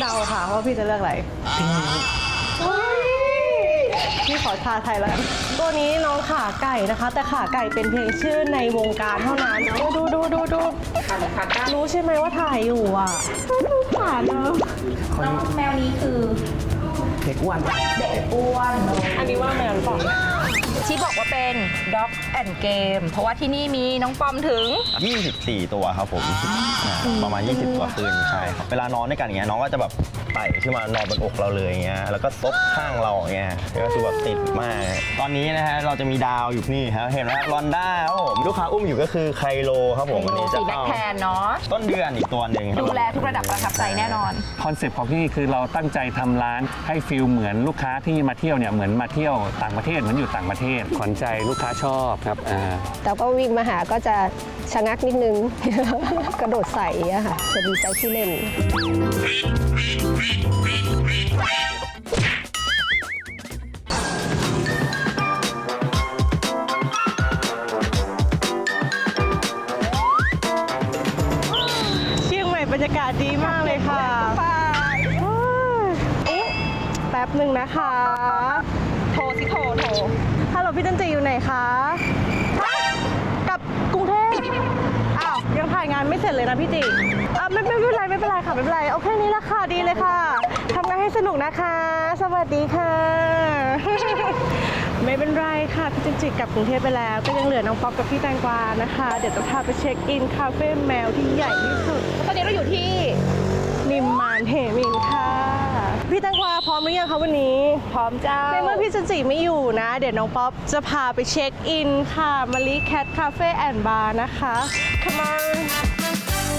เดาค่ะว่าพี่จะเลือกอะไรพี่ขอทาไทยแล้วกันตัวนี้น้องขาไก่นะคะ แต่ขาไก่เป็นเพียงชื่อในวงการเท่านั้นดูรู้ใช่ไหมว่าถ่ายอยู่อ่ะดูขาเนอะน้องแมวนี้คือเด็กอ้วนเด็กอ้วนอันนี้ว่าแมวหรือเปล่าที่บอกว่าเป็น Dog and Game เพราะว่าที่นี่มีน้องปอมถึง 24 ตัวครับผมประมาณ 20 ตัวขึ้นใช่ครับเวลานอนด้วยกันอย่างเงี้ยน้องก็จะแบบไต่ขึ้นมานอนบนอกเราเลยอย่างเงี้ยแล้วก็ซบข้างเราอย่างเงี้ยก็คือแบบติดมากตอนนี้นะฮะเราจะมีดาวอยู่นี่ครับเห็นไหมลอนด้าครับผมลูกค้าอุ้มอยู่ก็คือไคโลครับผมวันนี้จะสีแบ็คแทนเนาะต้นเดือนอีกตัวหนึ่งครับดูแลทุกระดับประทับใจแน่นอนคอนเซปต์ของที่นี่คือเราตั้งใจทำร้านให้ฟิลเหมือนลูกค้าที่มาเที่ยวเนี่ยเหมือนมาเที่ยวต่างประเทศเหมือนอยู่ต่างประเทศขวัญใจลูกค้าชอบครับแต่ก็วิ่งมาหาก็จะชะงักนิดนึง กระโดดใส่อะค่ะจะดีใจที่เล่นเชียงใหม่บรรยากาศดีมากเลยค่ะแป๊บหนึ่งนะคะโทรสิโทรฮัลโหลพี่จันจีอยู่ไหนคะกลับกรุงเทพอ้าวยังถ่ายงานไม่เสร็จเลยนะพี่จีไม่เป็นไรค่ะไม่เป็นไรโอเคนี้ละค่ะดีเลยค่ะทำงานให้สนุกนะคะ สวัสดีค่ะ ไม่เป็นไรค่ะพี่จันจีกลับกรุงเทพไปแล้วก็ยังเหลือน้องป๊อปกับพี่แตงกวานะคะเดี๋ยวจะพาไปเช็คอินคาเฟ่แมวที่ใหญ่ที่สุดตอนนี้เราอยู่ที่นิมมานเหมินค่ะพี่แตงกวาพร้อมหรือยังคะวันนี้พร้อมเจ้าในเมื่อพี่จันจีไม่อยู่นะ เดี๋ยวน้องป๊อปจะพาไปเช็คอินค่ะมารีแคทคาเฟ่แอนด์บาร์นะคะ Come on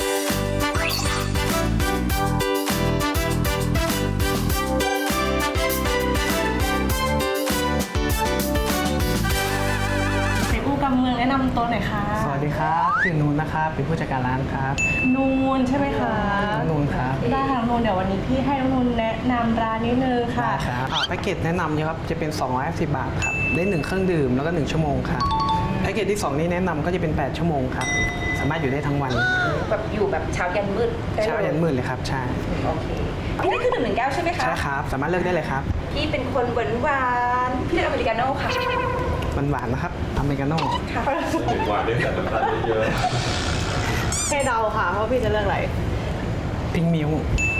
ไข่กู้กำเมืองแนะนำตัวหน่อยค่ะสวัสดีครับชื่อนูนนะครับเป็นผู้จัดการร้านครับนูนใช่ไหมคะนูนครับได้ค่ะนูนเดี๋ยววันนี้พี่ให้น้องนูนแนะนำร้านนิดนึงค่ะครับแพ็กเกจแนะนำเนี่ยครับจะเป็น250 บาทครับได้1เครื่องดื่มแล้วก็1ชั่วโมงครับแพ็กเกจที่2นี้แนะนำก็จะเป็น8ชั่วโมงครับสามารถอยู่ได้ทั้งวันแบบอยู่แบบเช้ายันมืดได้ลเช้ายันมืดเลยครับใช่โอเคพี่นี่คือดื่ม1 แก้วใช่ไหมคะใช่ครับสามารถเลือกได้เลยครับพี่เป็นคนหวานๆพี่เลือกอเมริกาโน่ค่ะหวานๆนะครับอเมริกาโน่ค่ะหวานด้วยแต่น้ำตาลเยอะให้เดาค่ะว่าพี่จะเลือกอะไรพิงมิว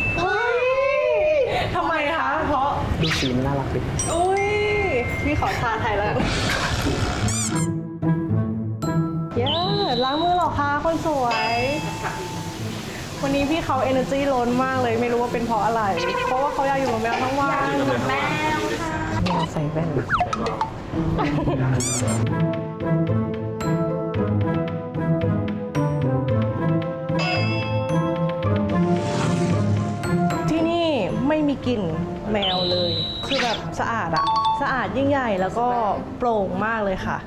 ทำไมคะ เพราะดูสีมันน่ารักดีอุ้ยพี่ขอทาไทยแล้วเย้ล้างมือเหรอคะคนสวย วันนี้พี่เขา energy ล้นมากเลยไม่รู้ว่าเป็นเพราะอะไร เพราะว่าเขาอยากอยู่กับแมวทั้งวันแมวค่ะแมวใส่แว่นที่นี่ไม่มีกลิ่นแมวเลย คือแบบสะอาดอะสะอาดยิ่งใหญ่แล้วก็โปร่งมากเลยค่ะ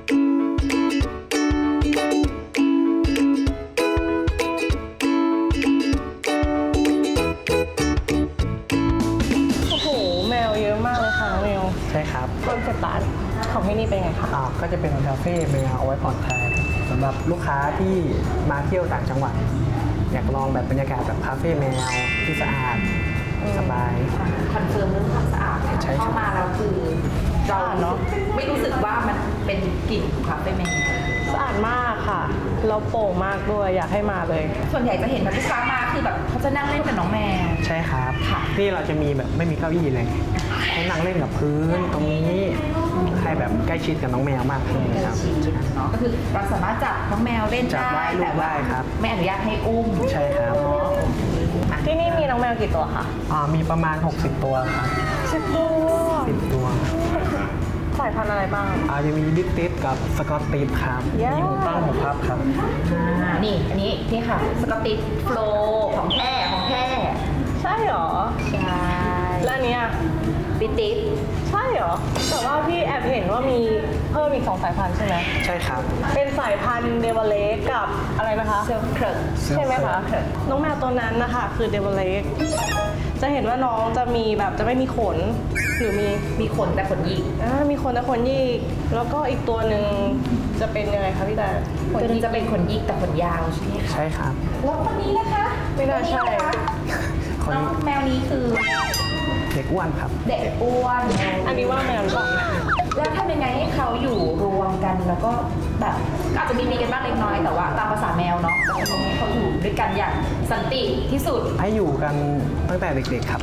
โอ้โห แมวเยอะมากเลยค่ะน้องเมลใช่ครับคอนเซ็ปต์ร้านของที่นี่เป็นไงคะก็จะเป็นคาเฟ่แมวเอาไว้ผ่อนคลายสำหรับลูกค้าที่มาเที่ยวต่างจังหวัด อยากลองแบบบรรยากาศแบบคาเฟ่แมวที่สะอาดสบายคอนเฟิร์มเรื่องความสะอาดใช่ครับเข้ามาแล้วคือเราสะอาดเนอะไม่รู้สึกว่ามันเป็นกลิ่นคาเฟ่แมวสะอาดมากค่ะแล้วโปร่งมากด้วยอยากให้มาเลยส่วนใหญ่จะเห็นแบบลูกค้ามาคือแบบเขาจะนั่งเล่นกับน้องแมวใช่ครับค่ะที่เราจะมีแบบไม่มีเก้าอี้เลยให้นั่งเล่นกับพื้นตรงนี้ให้แบบใกล้ชิดกับน้องแมวมากขึ้นครับเนาะก็คือเราสามารถจับน้องแมวเล่นจับได้ได้ลูกแต่ว่าได้ครับไม่อนุญาตให้อุ้มใช่ครับที่นี่มีน้องแมวกี่ตัวคะมีประมาณ 60 ตัวครับ 10 ตัว 10 ตัวสายพันธุ์อะไรบ้างจะมีบิ๊กติสกับสกอตติสครับ Yeah มีหูตั้งหูพับครับนี่อันนี้นี่ค่ะสกอตติชโฟลของแท้ของแท้ใช่เหรอใช่แล้วอันเนี้ยบิติสใช่เหรอ แต่ว่าพี่แอบเห็นว่ามีเพิ่มอีก2 สายพันธุ์ใช่ไหมใช่ครับเป็นสายพันธุ์เดวเลกกับอะไรนะคะเซลเคิร์ใช่ไหมคะ น้องแมวตัวนั้นนะคะคือเดวเลกจะเห็นว่าน้องจะมีแบบจะไม่มีขน หรือมีมีขนแต่ขนหยิกมีขนแต่ขนหยิกแล้วก็อีกตัวหนึ่งจะเป็นยังไงคะพี่แต่ตัวนี้จะเป็นขนหยิกแต่ขนยาวใช่ไหมคะใช่ครับแล้วคนนี้นะคะไม่น่าใช่คนนี้นะคะน้องแมวนี้คือเด็กอ้วนครับเด็กอ้วนอันนี้ว่าแมวหรือเปล่าแล้วทำยังไงให้เขาอยู่รวมกันแล้วก็แบบอาจจะมีกันบ้างเล็กน้อยแต่ว่าตามภาษาแมวเนาะแต่ตรงนี้เขาอยู่ด้วยกันอย่างสันติที่สุดให้อยู่กันตั้งแต่เด็กๆครับ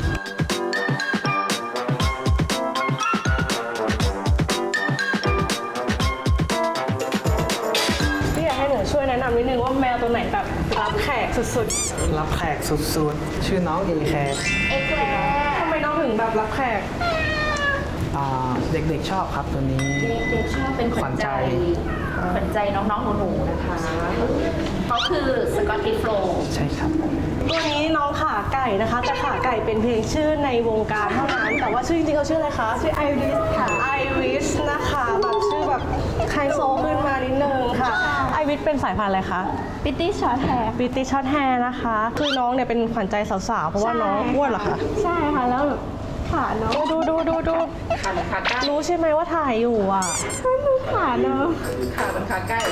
พี่อยากให้หนูช่วยแนะนำนิดนึงว่าแมวตัวไหนแบบรับแขกสุดรับแขกสุดๆ ชื่อน้องเอแคร์เอ็กแลๆทำไมน้องถึงแบบรับแขกเด็กๆชอบครับตัวนี้เด็กๆชอบเป็นขวัญใจขวัญใจน้องๆหนูๆนะคะเขาคือสกอตติชโฟลด์ใช่ครับตัวนี้น้องขาไก่นะคะ แต่ขาไก่เป็นเพียงชื่อในวงการเท่านั้น แต่ว่าชื่อจริงๆเขาชื่ออะไรคะ ชื่อไอริสค่ะไอริสนะคะแบบชื่อแบบไฮโซขึ้นมานิดนึงค่ะไอริสเป็นสายพันธุ์อะไรคะปิตตี้ช็อตแฮร์บิตตี้ช็อตแฮร์นะคะ คือน้องเนี่ยเป็นขวัญใจสาวๆ เพราะว่าน้องอ้วนเหรอคะใช่ค่ะ แล้วแบบขาน้องดูขาเหมือนขาไก่รู้ใช่ไหมว่าถ่ายอยู่อ่ะขาน้องขาเหมือนขาไก่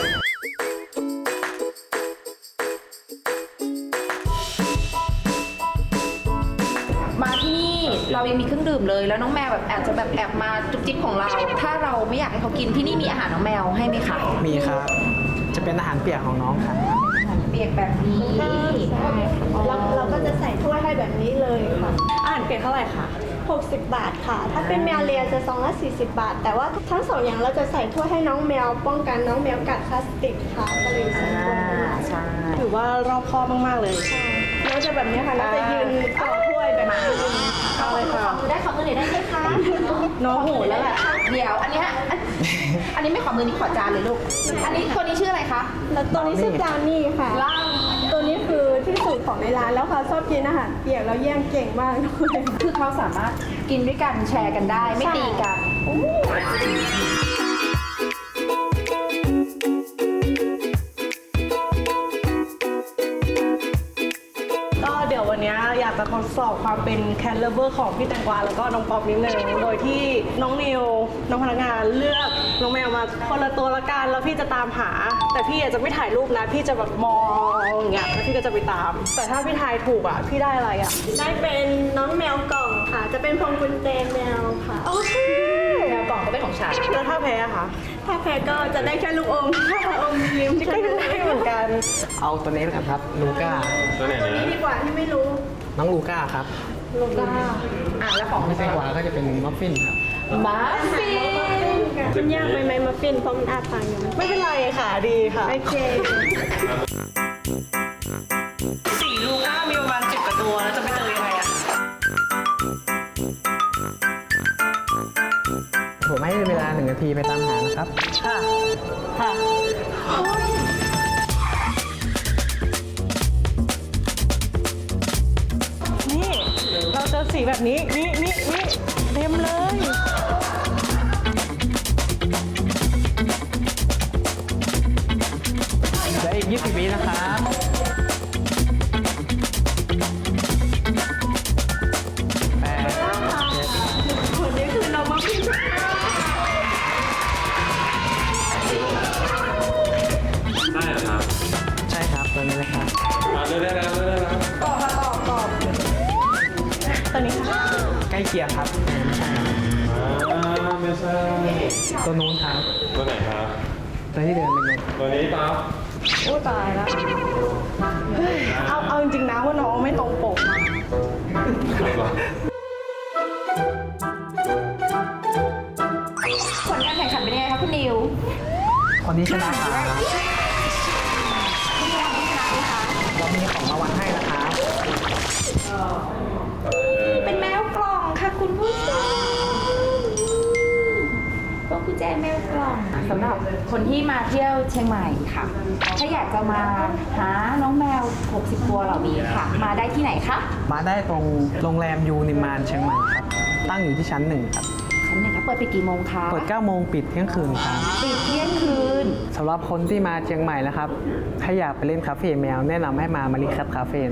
มาที่นี่เรายังมีเครื่องดื่มเลย แล้วน้องแมวแบบอาจจะแบบแอบมาจุ๊บจิ๊บของเรา ถ้าเราไม่อยากให้เขากินที่นี่มีอาหารน้องแมวให้ไหมคะมีครับ จะเป็นอาหารเปียกของน้องครับเปียกแบบนี้เราก็จะใส่ถ้วยให้แบบนี้เลยค่ะอาหารเปียกเท่าไหร่คะ 60 บาทค่ะ ถ้าเป็นแมวเลียจะซองละ40 บาท แต่ว่าทั้งสองอย่างเราจะใส่ถ้วยให้น้องแมว ป้องกันน้องแมวกัดพลาสติกค่ะ ก็เลยใส่ถ้วยให้ใช่ถือว่ารอบคอบมากๆเลยน้องจะแบบนี้ค่ะน้องจะยืนต่อถ้วยแบบนี้เอาเลยค่ะขอมือได้ขอมือหน่อยได้ไหมคะน้องโหดแล้วแหละเดี๋ยวอันเนี้ยอันนี้ไม่ขอมือนี่ขอจานเลยลูก อันนี้ตัวนี้ชื่ออะไรคะแล้วตัวนี้ชื่อบราวนี่ค่ะ ตัวนี้คือที่สุดของในร้านแล้วค่ะชอบกินอาหารเปียกแล้วแย่งเก่งมากด้วยคือเขาสามารถกินด้วยกันแชร์กันได้ไม่ตีกันก็เดี๋ยววันนี้อยากจะทดสอบความเป็นแคทเลเวอร์ของพี่แตงกวาแล้วก็น้องป๊อปนิดนึงโดยที่น้องนิวน้องพนักงานเลือกน้องแมวมาคนละตัวละกันแล้วพี่จะตามหา แต่พี่อาจจะไม่ถ่ายรูปนะ พี่จะแบบมองอย่างเงี้ยแล้วพี่ก็จะไปตาม แต่ถ้าพี่ทายถูกอ่ะพี่ได้อะไรอ่ะได้เป็นน้องแมวกล่องค่ะ จะเป็นพวงกุญแจแมวค่ะโอเคแมวกล่องก็เป็นของฉันแล้วถ้าแพ้อะคะถ้าแพ้ก็จะได้แค่ลูกอมถ้าอมยิ้มก็ได้เหมือนกันเอาตัวนี้แล้วกันครับ ลูก้าตัวไหนตัวนี้นะดีกว่าที่ไม่รู้น้องลูก้าครับลูก้าแล้วของไม่ใช่กวาก็จะเป็นมัฟฟินครับมาฟินมันยากไหมมาฟินเพราะมันอาปากอยู่ไม่เป็นไรค่ะดีค่ะโอเคสี่ลูก้ามีประมาณ10 กว่าตัวแล้วจะไปเจอยังไงอ่ะผมให้เวลา1 นาทีไปตามหานะครับค่ะ ค่ะ นี่ เราเจอสีแบบนี้ นี่เต็มเลยและอีก20 วินะครับแปดคนนี้คือน้องมาฟินได้เหรอครับใช่ครับตัวนี้เลยครับมาเลือกได้แล้วเลือกได้แล้วตัวนี้ค่ะใกล้เคียงครับไม่ใช่ตัวนู้นครับตัวไหนครับตัวที่เดินเป็นนู้นตัวนี้ปั๊บโอ้ตายแล้วเฮ้ยเอาจริงๆนะว่าน้องไม่ตรงปกผลการแข่งขันเป็นยังไงคะคุณนิวคนนี้ชนะครับเรามีของรางวัลให้นะครับเป็นแมวกล่องค่ะคุณผู้ชมพวงกุญแจแมวกล่องสำหรับคนที่มาเที่ยวเชียงใหม่ค่ะ ถ้าอยากจะมาหาน้องแมว 60 ตัวเหล่านี้ค่ะ มาได้ที่ไหนคะมาได้ตรงโรงแรมยูนิมานเชียงใหม่ครับ ตั้งอยู่ที่ชั้น 1 ครับชั้นหนึ่งคะเปิดไปกี่โมงคะเปิด 9 โมงปิดเที่ยงคืนครับปิดเที่ยงคืนสำหรับคนที่มาเชียงใหม่นะครับ ถ้าอยากไปเล่นคาเฟ่แมว แนะนำให้มามาริคัตคาเฟ่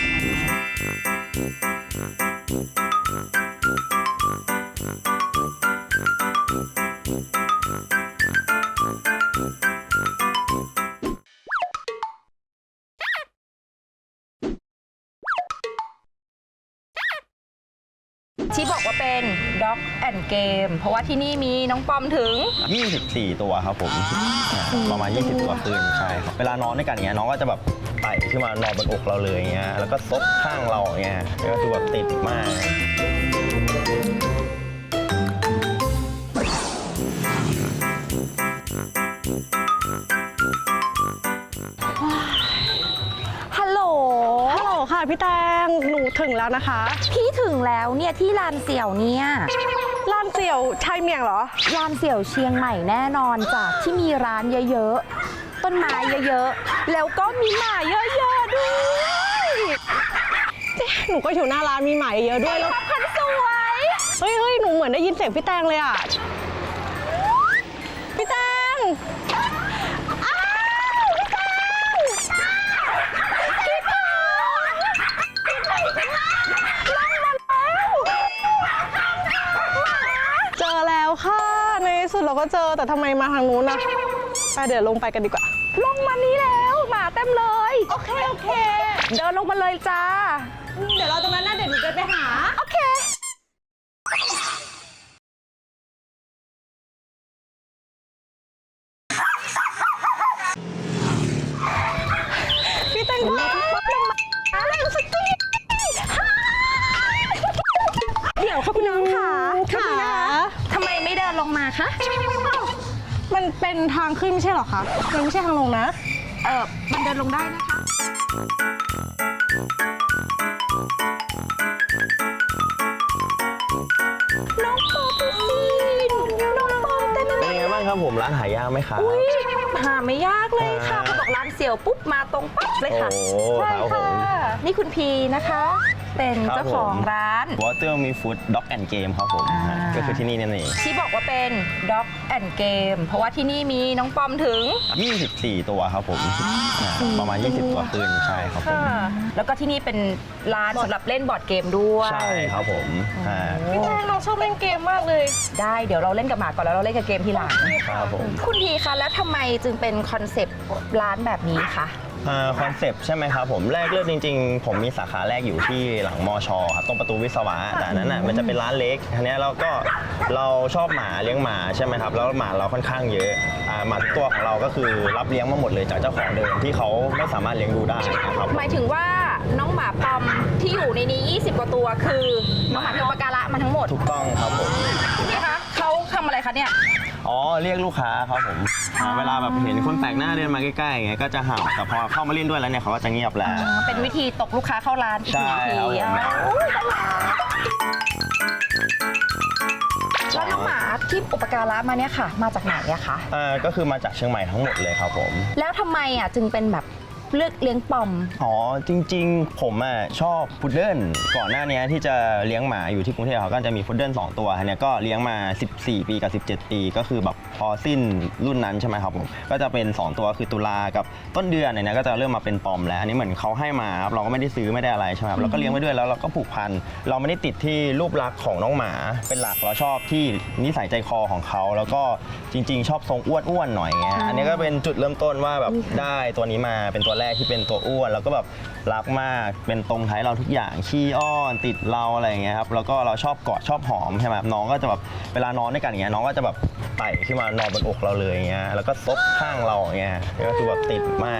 นะครับที่บอกว่าเป็น Dog and Game เพราะว่าที่นี่มีน้องปอมถึง 24 ตัวครับผมประมาณ 20 ตัวขึ้นใช่ครับเวลานอนด้วยกันอย่างเงี้ยน้องก็จะแบบไต่ขึ้นมานอนบนอกเราเลยอย่างเงี้ยแล้วก็ซบข้างเราอย่างเงี้ยก็คือแบบติดมากฮัลโหลฮัลโหลค่ะพี่แตงหนูถึงแล้วนะคะพี่ถึงแล้วเนี่ยที่ลานเสี่ยวเนี่ยร้านเสี่ยวชายเมียงเหรอลานเสี่ยวเชียงใหม่แน่นอนจ้ะที่มีร้านเยอะๆ ต้นไม้เยอะๆ แล้วก็มีหมาเยอะๆด้วยหนูก็อยู่หน้าร้านมีหมาเยอะด้วยแล้วพันสวยเฮ้ยหนูเหมือนได้ยินเสียงพี่แตงเลยอ่ะพี่แตงอ้าวพี่แตงพี่แตงเจอแล้วค่ะในที่สุดเราก็เจอแต่ทำไมมาทางนู้นนะไปเดี๋ยวลงไปกันดีกว่าลงมานี้แล้วหมาเต็มเลยโอเคเดินลงมาเลยจ้าเดี๋ยวเราตรงนั้นนะเดี๋ยวหนูจะไปหาโอเคพี่แตงค่ะเดี๋ยวค่ะคุณน้องค่ะค่ะทำไมไม่เดินลงมาคะมันเป็นทางขึ้นไม่ใช่เหรอคะ มันไม่ใช่ทางลงนะมันเดินลงได้นะคะ น้องปอดูสิน้องปอเต็มเลเป็นยยังไงบ้างครับผมร้านหายากไหมครับหาไม่ยากเลยค่ะเขาบอกร้านเสี่ยวปุ๊บมาตรงปั๊บเลยค่ะโอ้ใช่ครับผค่ะมนี่คุณพีนะคะ เป็นเจ้าของร้าน Water Me Food Dog and Game ครับผมอ่าก็คือที่นี่นั่นเองที่บอกว่าเป็น Dog and Game เพราะว่าที่นี่มีน้องปอมถึง 24 ตัวครับผมประมาณ 20 ตัวขึ้นใช่ครับผมแล้วก็ที่นี่เป็นร้านสำหรับเล่นบอร์ดเกมด้วยใช่ครับผมอ่าพี่แตงเราชอบเล่นเกมมากเลยได้เดี๋ยวเราเล่นกับหมาก่อนแล้วเราเล่นกับเกมทีหลังครับผมคุณพีคะแล้วทำไมจึงเป็นคอนเซปต์ร้านแบบนี้คะคอนเซปต์ใช่ไหมครับผมแรกเริ่มจริงๆ ผมมีสาขาแรกอยู่ที่หลังมอชอครับตรงประตูวิศวะแต่อันนั้นน่ะมันจะเป็นร้านเล็กทีนี้เราชอบหมาเลี้ยงหมาใช่ไหมครับแล้วหมาเราค่อนข้างเยอะหมาทุกตัวของเราก็คือรับเลี้ยงมาหมดเลยจากเจ้าของเดิมที่เขาไม่สามารถเลี้ยงดูได้นะครับหมายถึงว่าน้องหมาปอมที่อยู่ในนี้ 20 กว่าตัวคือน้องหมาที่อุปการะมาทั้งหมดถูกต้องครับผมคุณพี่คะเขาทำอะไรคะเนี่ยอ๋อเรียกลูกค้าครับผมเวลาแบบเห็นคนแปลกหน้าเดินมาใกล้ๆอย่างเงี้ยก็จะเห่าแต่พอเข้ามาเล่นด้วยแล้วเนี่ยเขาก็จะเงียบแล้วเป็นวิธีตกลูกค้าเข้าร้านอีกหนึ่งวิธีใช่ครับผมแล้วน้องหมาที่อุปการะมาเนี่ยค่ะ มาจากไหนอะคะก็คือมาจากเชียงใหม่ทั้งหมดเลยครับผมแล้วทำไมอะจึงเป็นแบบเลือกเลี้ยงปอมอ๋อจริงๆ ผมชอบพุดเดิ้ลก่อนหน้านี้ที่จะเลี้ยงหมาอยู่ที่กรุงเทพเขาก็จะมีพุดเดิ้ล2ตัวเนี่ยก็เลี้ยงมา 14 ปีกับ 17 ปีก็คือแบบพอสิ้นรุ่นนั้นใช่ไหมครับผมก็จะเป็น 2 ตัวคือตุลากับต้นเดือนเนี่ยก็จะเริ่มมาเป็นปอมแล้วอันนี้เหมือนเขาให้มาครับเราก็ไม่ได้ซื้อไม่ได้อะไรใช่ไหมครับเราก็เลี้ยงไว้ด้วยแล้วเราก็ผูกพันเราไม่ได้ติดที่รูปลักษณ์ของน้องหมาเป็นหลักเราชอบที่นิสัยใจคอของเขาแล้วก็จริงๆ ชอบทรงอ้วนๆหน่อยไงอันนี้ก็เป็นจุดเริ่มต้นว่าแบบได้ตัวนี้มาเป็นตัวแรกที่เป็นตัวอ้วนแล้วก็แบบรักมากเป็นตรงท้ายเราทุกอย่างขี้อ้อนติดเราอะไรอย่างเงี้ยครับแล้วก็เราชอบกอดชอบหอมใช่ไหมครับน้องก็จะแบบเวลานอนด้วยกันอย่างเงี้ยน้องก็จะแบบไต่ขึ้นมานอนบนอกเราเลยอย่างเงี้ยแล้วก็ซบข้างเราอย่างเงี้ยก็คือแบบติดมาก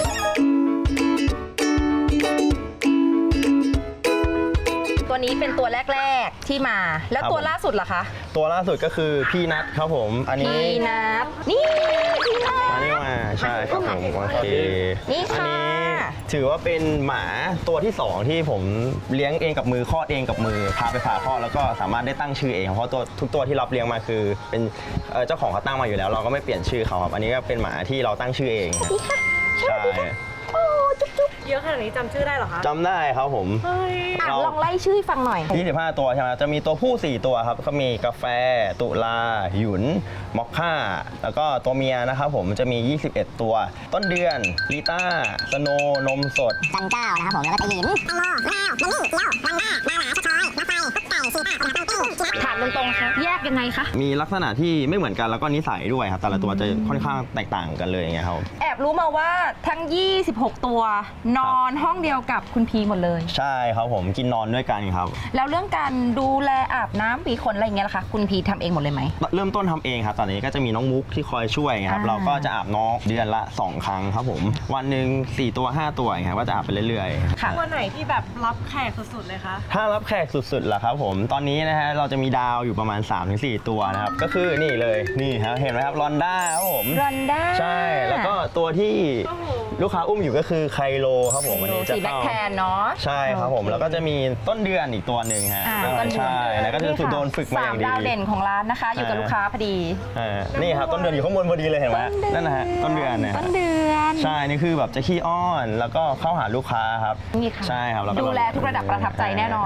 ตัวนี้เป็นตัวแรกๆที่มา แล้วตัวล่าสุดล่ะคะตัวล่าสุดก็คือพี่นัทครับผมอันนี้พี่นับนี่พี่นับอันนี้มาใช่ครับผมโอเคนี่อัค่ะนี้ถือว่าเป็นหมาตัวที่ 2 ที่ผมเลี้ยงเองกับมือคลอดเองกับมือพาไปผ่าคลอดแล้วก็สามารถได้ตั้งชื่อเองเพราะตัวทุกตัวที่รับเลี้ยงมาคือเป็นเจ้าของเขาตั้งมาอยู่แล้ว เราก็ไม่เปลี่ยนชื่อเขาครับอันนี้ก็เป็นหมาที่เราตั้งชื่อเองใช่เยอะขนาดนี้จำชื่อได้เหรอคะจำได้ครับผมเฮ้ยลองไล่ชื่อให้ฟังหน่อย 25 ตัวใช่ไหมจะมีตัวผู้ 4 ตัวครับก็มีกาแฟตุลาหยุนมอคค่าแล้วก็ตัวเมียนะครับผมจะมี 21 ตัว ต้นเดือนลิต้าสโนนมสดจันเจ้านะครับผมแล้วก็ตะหลินแตงโมแมวมันนี่เกี้ยววันหน้ามาหมาสะทอยมาไฟไก่สีปากกระดาษตั้งติ้งถามตรงๆค่ะแยกยังไงคะมีลักษณะที่ไม่เหมือนกันแล้วก็นิสัยด้วยครับแต่ละตัวจะค่อนข้างแตกต่างกันเลยอย่างเงี้ยครับแอบรู้มาว่าทั้ง 26 ตัวนอนห้องเดียวกับคุณพีหมดเลยใช่ครับผมกินนอนด้วยกันครับแล้วเรื่องการดูแลอาบน้ำปีขนอะไรอย่างเงี้ยล่ะคะคุณพีทำเองหมดเลยไหมเริ่มต้นทำเองครับตอนนี้ก็จะมีน้องมุกที่คอยช่วยครับเราก็จะอาบน้องเดือนละ 2 ครั้งครับผมวันหนึ่ง4 ตัว 5 ตัวอย่างเงี้ยก็จะอาบไปเรื่อยๆค่ะตัวไหนที่แบบรับแขกสุดๆเลยคะถ้ารับแขกสุดๆล่ะครับผมตอนนี้นะฮะเราจะมีดาวอยู่ประมาณ 3-4 ตัวนะครับก็คือนี่เลยนี่ครับเห็นไหมครับรอนด้าครับผมรอนด้าใช่แล้วก็ตัวที่ลูกค้าอุ้มอยู่ก็คือไคโลครับผมอันนี้จะสีแบ็คเข้าแทนเนาะใช่ครับผมโอเคแล้วก็จะมีต้นเดือนอีกตัวหนึ่งฮะต้นเดือนใช่แล้วก็จะถูกโดนฝึกมาอย่างดี 3 ดาวเด่นของร้านนะคะ อยู่กับลูกค้าพอดีนี่ครับต้นเดือนอยู่ข้างบนพอดีเลยเห็นไหมนั่นนะฮะต้นเดือนนะฮะต้นเดือนใช่นี่คือแบบจะขี้อ้อนแล้วก็เข้าหาลูกค้าครับนี่ค่ะใช่ครับแล้วก็ดูแลทุกระดับประทับใจแน่นอน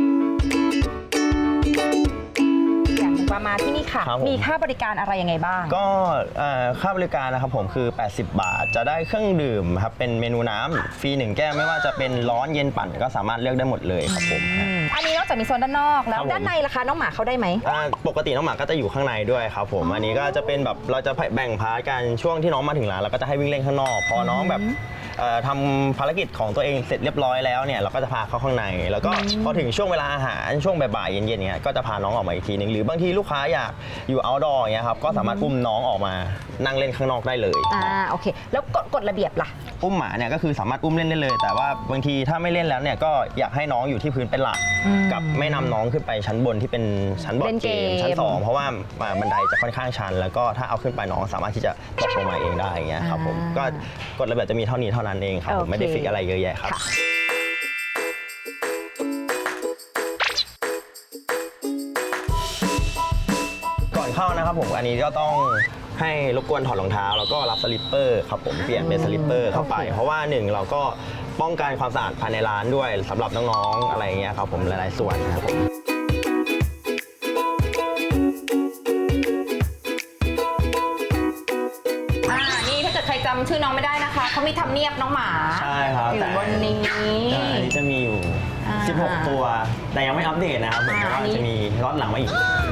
อย่างหนึ่งว่ามาที่นี่ค่ะครับผมมีค่าบริการอะไรยังไงบ้างก็ค่าบริการนะครับผมคือ 80 บาท จะได้เครื่องดื่มครับเป็นเมนูน้ำฟรี1 แก้วไม่ว่าจะเป็นร้อนเย็นปั่นก็สามารถเลือกได้หมดเลยครับผมอันนี้นอกจากมีโซนด้านนอก แล้วครับผมด้านในล่ะคะน้องหมาเข้าได้ไหมปกติน้องหมาก็จะอยู่ข้างในด้วยครับผมอันนี้ก็จะเป็นแบบเราจะแบ่งพาร์ทกันช่วงที่น้องมาถึงร้านเราก็จะให้วิ่งเล่นข้างนอกพอน้องแบบทำภารกิจของตัวเองเสร็จเรียบร้อยแล้วเนี่ยเราก็จะพาเข้าข้างในแล้วก็พอถึงช่วงเวลาอาหารช่วงบ่ายๆเย็นๆเนี่ยก็จะพาน้องออกมาอีกทีนึงหรือบางทีลูกค้าอยากอยู่ outdoor อย่างเงี้ยครับก็สามารถอุ้มน้องออกมานั่งเล่นข้างนอกได้เลยโอเค แล้วกฎระเบียบล่ะอุ้มหมาเนี่ยก็คือสามารถอุ้มเล่นได้เลย แต่ว่าบางทีถ้าไม่เล่นแล้วเนี่ยก็อยากให้น้องอยู่ที่พื้นเป็นหลักกับไม่นำน้องขึ้นไปชั้นบนที่เป็นชั้นบอร์เล่ดนเกเกมมชั้น2เพราะว่าบันไดจะค่อนข้างชัน แล้วก็ถ้าเอาขึ้นไปน้องสามารถที่จะตกลงมาเองได้อย่างเงี้ยครับผมก็กฎระเบียบจะมีเท่านี้เท่านั้นเองครับผมไม่ได้ฟิกอะไรเยอะแยะครับ ก่อนเข้านะครับผมอันนี้ก็ต้องให้รบกวนถอดรองเท้าแล้วก็รับสลิปเปอร์ครับผมเปลี่ยนเป็นสลิปเปอร์เข้าไป เพราะว่าหนึ่งเราก็ป้องกันความสะอาดภายในร้านด้วยสำหรับน้องๆอะไรอย่างเงี้ยครับผมหลายๆส่วนนะครับผมนี่ถ้าเกิดใครจำชื่อน้องไม่ได้นะคะเขามีทำเนียบน้องหมาใช่ครับอยู่บนนี้แต่อันนี้จะมีอยู่ 16 ตัว แต่ยังไม่อัปเดตนะครับผมเพราะว่าจะมีล็อตหลังมาอีก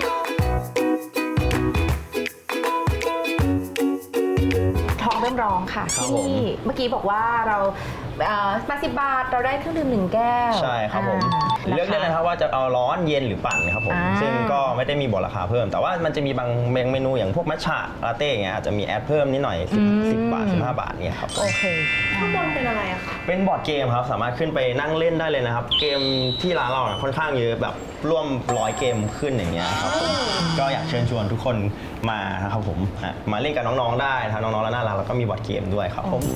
ท้องเริ่มร้องค่ะครับที่ผมนี่เมื่อกี้บอกว่าเรา80 บาทเราได้เครื่องดื่ม1 แก้วใช่ครับผมาเลือกได้เลยครับว่าจะเอาร้อนเย็นหรือปั่นครับผมอ่าซึ่งก็ไม่ได้มีบอกราคาเพิ่ม แต่ว่ามันจะมีบางเมนูอย่างพวกมัทฉะลาเต้อย่างเงี้ยอาจจะมีแอดเพิ่มนิดหน่อย10 บาท 15 บาทเนี่ยครับโอเคข้างบนเป็นอะไรอะคะเป็นบอร์ดเกมครับสามารถขึ้นไปนั่งเล่นได้เลยนะครับ เกมที่ร้านเราเนี่ยค่อนข้างเยอะแบบร่วม100 เกมขึ้นอย่างเงี้ยครับผมก็อยากเชิญชวนทุกคนมานะครับผมมาเล่นกับน้องๆได้ทั้งน้องๆและน่ารักแล้วก็มีบอร์ดเกมด้วยครับผม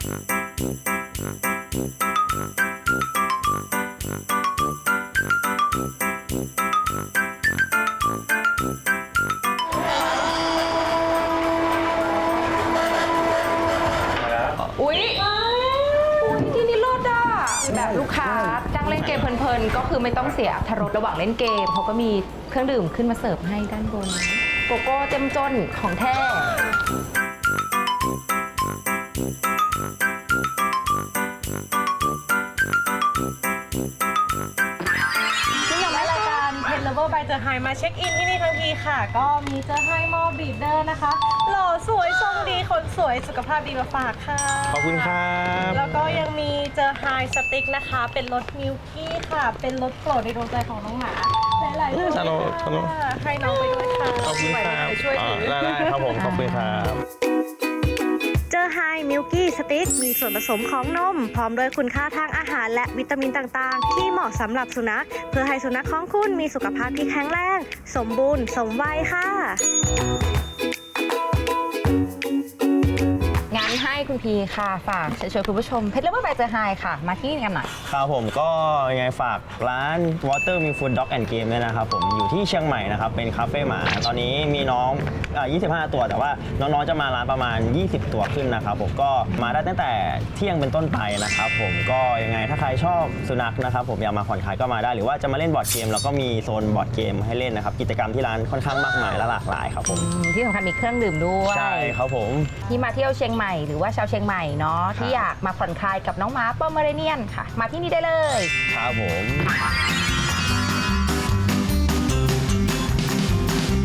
อุ๊ยที่นี่เลิศอ่ะแบบลูกค้านั่งเล่นเกมเพลินๆ ก็คือไม่ต้องเสียอรรถรสระหว่างเล่นเกมเขาก็มีเครื่องดื่มขึ้นมาเสิร์ฟให้ด้านบน โกโก้เจ้มจนของแท้ซึ่งอย่างรายการเพนเลเวอร์บายเจอไฮมาเช็คอินที่นี่ทั้งทีค่ะ ก็มีเจอไฮมอลบีดเดอร์นะคะหล่อสวยทรงดีคนสวยสุขภาพดีมาฝากค่ะขอบคุณครับแล้วก็ยังมีเจอไฮสติ๊กนะคะ เป็นรสมิลกี้ค่ะ เป็นรสโปรดในดวงใจของน้องหมาหลายๆตัวฮัลโหลฮัลโหลค่ะให้น้องไปด้วยค่ะขอบคุณครับไปช่วยถือได้ครับผม ขอบคุณครับเจอไฮมิลกี้สติ๊กมีส่วนผสมของนม พร้อมด้วยคุณค่าทางอาหารและวิตามินต่างๆ ที่เหมาะสำหรับสุนัข เพื่อให้สุนัขของคุณมีสุขภาพที่แข็งแรง สมบูรณ์ สมวัยค่ะงั้นให้คุณพีค่ะฝากเชิญชวนคุณผู้ชมเพชรเลเวอร์บายเจอไฮค่ะ มาที่นี่กันหน่อยครับผมก็ยังไงฝากร้าน Water Me Food Dog and Game ด้วยนะครับผมอยู่ที่เชียงใหม่นะครับเป็นคาเฟ่หมาตอนนี้มีน้อง25 ตัวแต่ว่าน้องๆจะมาร้านประมาณ 20 ตัวขึ้นนะครับผมก็มาได้ตั้งแต่เที่ยงเป็นต้นไปนะครับผมก็ยังไงถ้าใครชอบสุนัขนะครับผมอยากมาผ่อนคลายก็มาได้หรือว่าจะมาเล่นบอร์ดเกมแล้วก็มีโซนบอร์ดเกมให้เล่นนะครับกิจกรรมที่ร้านค่อนข้างมากมายและหลากหลายครับผมที่สำคัญมีเครื่องดื่มด้วยใช่ครับผมที่มาเที่ยวเชียงใหม่หรือว่าชาวเชียงใหม่เนาะที่อยากมาผ่อนคลายกับน้องหมาปอมเมอเรเนียนค่ะ มาที่นี่ได้เลยครับผม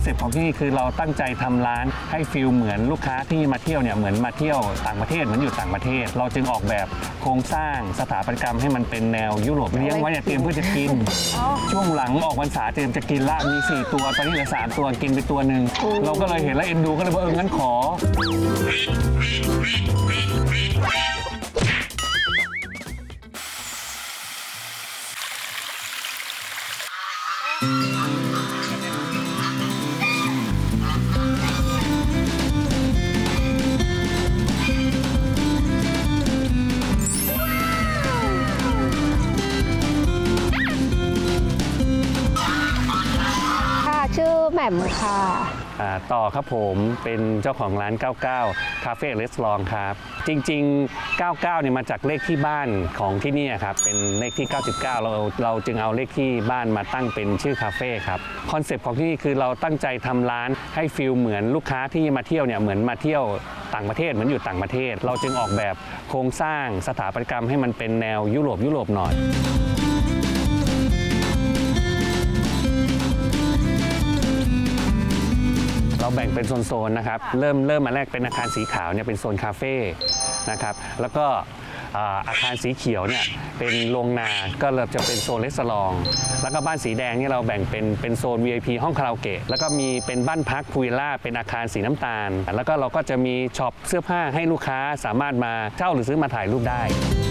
ซ็ปต์ของที่นี่คือเราตั้งใจทำร้านให้ฟิลเหมือนลูกค้าที่มาเที่ยวเนี่ยเหมือนมาเที่ยวต่างประเทศเหมือนอยู่ต่างประเทศ เราจึงออกแบบโครงสร้างสถาปัตยกรรมให้มันเป็นแนวยุโรปเลี้ยงไว้เนี่ยเตรียมเพื่อจะกิน ช่วงหลังออกพรรษาเตรียมจะกินละมี4ตัวตอนนี้เหลือ3ตัวกินไปตัวหนึ่งเราก็เลยเห็นแล้วเอ็นดูก็เลยว่างั้นขอค่ะชื่อแหม่มค่ะต่อครับผมเป็นเจ้าของร้าน 99 คาเฟ่เรสตอรองครับ จริง ๆ 99 เนี่ยมาจากเลขที่บ้านของที่นี่ครับ เป็นเลขที่ 99 เราจึงเอาเลขที่บ้านมาตั้งเป็นชื่อคาเฟ่ครับ คอนเซปต์ของที่นี่คือเราตั้งใจทำร้านให้ฟิลเหมือนลูกค้าที่มาเที่ยวเนี่ยเหมือนมาเที่ยวต่างประเทศเหมือนอยู่ต่างประเทศ เราจึงออกแบบโครงสร้างสถาปัตยกรรมให้มันเป็นแนวยุโรปหน่อย เราแบ่งเป็นโซนๆนะครับเริ่มมาแรกเป็นอาคารสีขาวเนี่ยเป็นโซนคาเฟ่นะครับแล้วก็อาคารสีเขียวเนี่ยเป็นโรงนาก็เริ่มจะเป็นโซนรีสอร์ทแล้วก็บ้านสีแดงเนี่ยเราแบ่งเป็นโซน VIP ห้องคาราโอเกะแล้วก็มีเป็นบ้านพักพูวิลล่าเป็นอาคารสีน้ำตาลแล้วก็เราก็จะมีช็อปเสื้อผ้าให้ลูกค้าสามารถมาเช่าหรือซื้อมาถ่ายรูปได้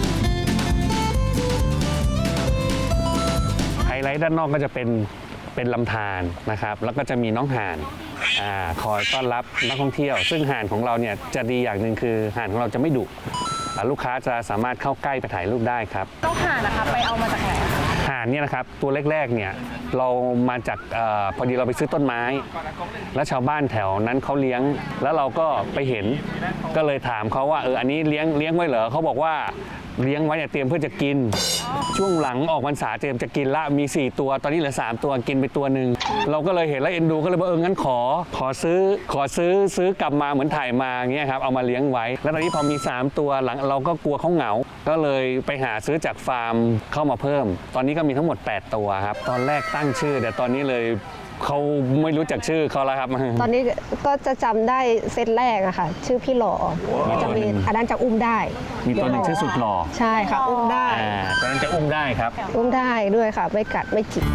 ไฮไลท์ด้านนอกก็จะเป็นลำธารนะครับแล้วก็จะมีน้องห่านคอยต้อนรับนักท่องเที่ยวซึ่งห่านของเราเนี่ยจะดีอย่างหนึ่งคือห่านของเราจะไม่ดุลูกค้าจะสามารถเข้าใกล้ไปถ่ายรูปได้ครับต้องห่านนะคะไปเอามาจากไหนคะห่านเนี่ยนะครับตัวแรกๆเนี่ยเรามาจากพอดีเราไปซื้อต้นไม้แล้วชาวบ้านแถวนั้นเขาเลี้ยงแล้วเราก็ไปเห็นก็เลยถามเขาว่าอันนี้เลี้ยงไว้เหรอเขาบอกว่าเลี้ยงไว้เนี่ยเตรียมเพื่อจะกินช่วงหลังออกพรรษาเตรียมจะกินละมี4ตัวตอนนี้เหลือ3ตัวกินไปตัวหนึ่งเราก็เลยเห็นแล้วเอ็นดูก็เลยว่างั้นขอซื้อกลับมาเหมือนถ่ายมาเงี้ยครับเอามาเลี้ยงไว้แล้วตอนนี้พอมี3ตัวหลังเราก็กลัวเขาเหงาก็เลยไปหาซื้อจากฟาร์มเข้ามาเพิ่มตอนนี้ก็มีทั้งหมด8ตัวครับตอนแรกตั้งชื่อแต่ตอนนี้เลยเขาไม่รู้จักชื่อเขาแล้วครับตอนนี้ก็จะจำได้เซตแรกอะค่ะชื่อพี่หล่อจะมีอันนั้นจะอุ้มได้มีตัวหนึ่งชื่อสุดหล่อใช่ค่ะอุ้มได้ตอนนั้นจะอุ้มได้ครับอุ้มได้ด้วยค่ะไม่กัดไม่จิก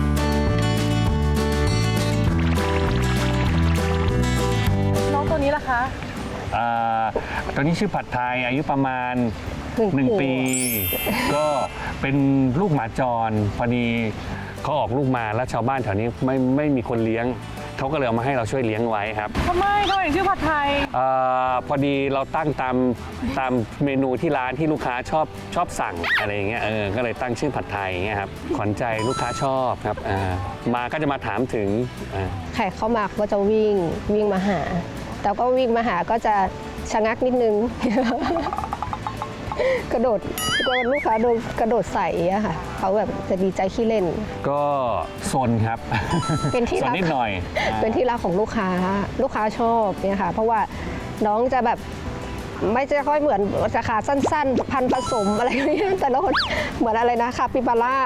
น้องตัวนี้ล่ะคะตอนนี้ชื่อผัดไทยอายุประมาณ1 ปี ก็เป็นลูกหมาจรพอดีเขาออกลูกมาแล้วชาวบ้านแถวนี้ไม่มีคนเลี้ยงเขาก็เลยเอามาให้เราช่วยเลี้ยงไว้ครับทำไมถึงชื่อผัดไทยพอดีเราตั้งตามเมนูที่ร้านที่ลูกค้าชอบสั่งอะไรอย่างเงี้ยก็เลยตั้งชื่อผัดไทยอย่างเงี้ยครับขวัญใจลูกค้าชอบครับมาก็จะมาถามถึงใครเข้ามาก็จะวิ่งมาหาแต่ก็วิ่งมาหาก็จะชะงักนิดนึง กระโดดลูกค้าโดนกระโดดใส่อะค่ะเขาแบบจะดีใจขี้เล่นก็ซนครับเป็นที่รักนิดหน่อยเป็นที่รักของลูกค้าชอบเนี่ยค่ะเพราะว่าน้องจะแบบไม่จะค่อยเหมือนจะขาสั้นๆพันผสมอะไรอย่างเงี้ยแต่ละคนเหมือนอะไรนะคาปิบาร่า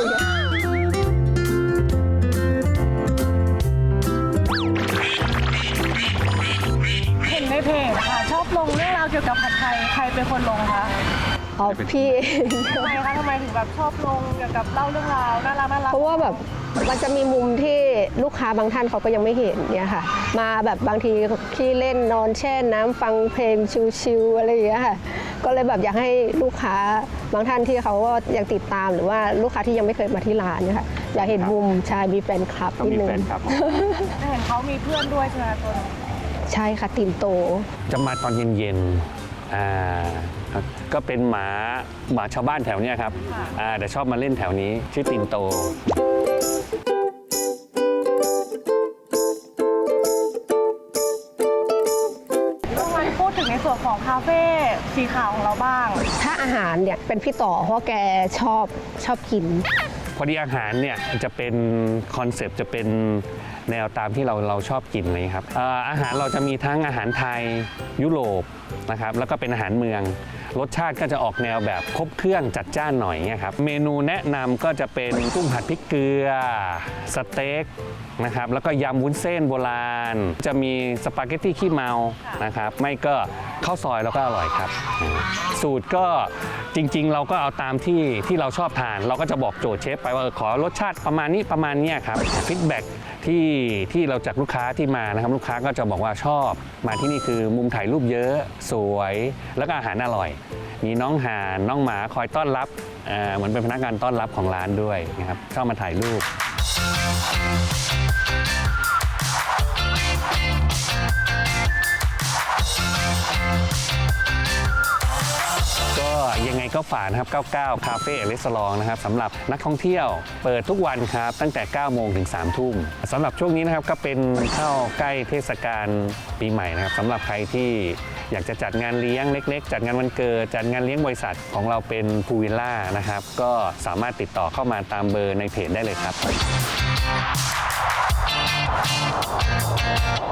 เห็นในเพจค่ะชอบลงเรื่องราวเกี่ยวกับผัดไทยใครเป็นคนลงคะพี่ทำไมคะทำไมถึงแบบชอบลงเกี่ยวกับเล่าเรื่องราวน่ารักเพราะว่าแบบมันจะมีมุมที่ลูกค้าบางท่านเขาก็ยังไม่เห็นเนี่ยค่ะมาแบบบางทีขี้เล่นนอนแช่น้ำฟังเพลงชิลๆอะไรอย่างเงี้ยค่ะก็เลยแบบอยากให้ลูกค้าบางท่านที่เขาก็ยังติดตามหรือว่าลูกค้าที่ยังไม่เคยมาที่ร้านเนี่ยค่ะอยากเห็นมุมชายมีแฟนคลับนิดนึงเห็นเขามีเพื่อนด้วยใช่ไหมตัวใช่ค่ะติมโตจะมาตอนเย็นก็เป็นหมาชาวบ้านแถวนี้ครับแต่ชอบมาเล่นแถวนี้ชื่อติมโตพูดถึงในส่วนของคาเฟ่สีขาวของเราบ้างถ้าอาหารเนี่ยเป็นพี่ต่อเพราะแกชอบกินพอดีอาหารเนี่ยจะเป็นคอนเซปต์จะเป็นแนวตามที่เราชอบกินเลยครับอาหารเราจะมีทั้งอาหารไทยยุโรปนะครับแล้วก็เป็นอาหารเมืองรสชาติก็จะออกแนวแบบครบเครื่องจัดจ้านหน่อยเนี่ยครับเมนูแนะนำก็จะเป็นกุ้งผัดพริกเกลือสเต็กนะครับแล้วก็ยำวุ้นเส้นโบราณจะมีสปาเกตตี้ขี้เมานะครับไม่ก็ข้าวซอยแล้วก็อร่อยครับสูตรก็จริงๆเราก็เอาตามที่เราชอบทานเราก็จะบอกโจทย์เชฟไปว่าขอรสชาติประมาณนี้ครับฟีดแบ็กที่เราจากลูกค้าที่มานะครับลูกค้าก็จะบอกว่าชอบมาที่นี่คือมุมถ่ายรูปเยอะสวยแล้วก็อาหารอร่อยมีน้องห่านน้องหมาคอยต้อนรับเหมือนเป็นพนักงานต้อนรับของร้านด้วยนะครับชอบมาถ่ายรูปก็ยังไงก็ฝากนะครับ99 คาเฟ่เรสซอร์นะครับสำหรับนักท่องเที่ยวเปิดทุกวันครับตั้งแต่ 9 โมงถึง 3 ทุ่มสำหรับช่วงนี้นะครับก็เป็นเข้าใกล้เทศกาลปีใหม่นะครับสำหรับใครที่อยากจะจัดงานเลี้ยงเล็กๆจัดงานวันเกิดจัดงานเลี้ยงบริษัทของเราเป็นพูลวิลล่านะครับก็สามารถติดต่อเข้ามาตามเบอร์ในเพจได้เลยครับ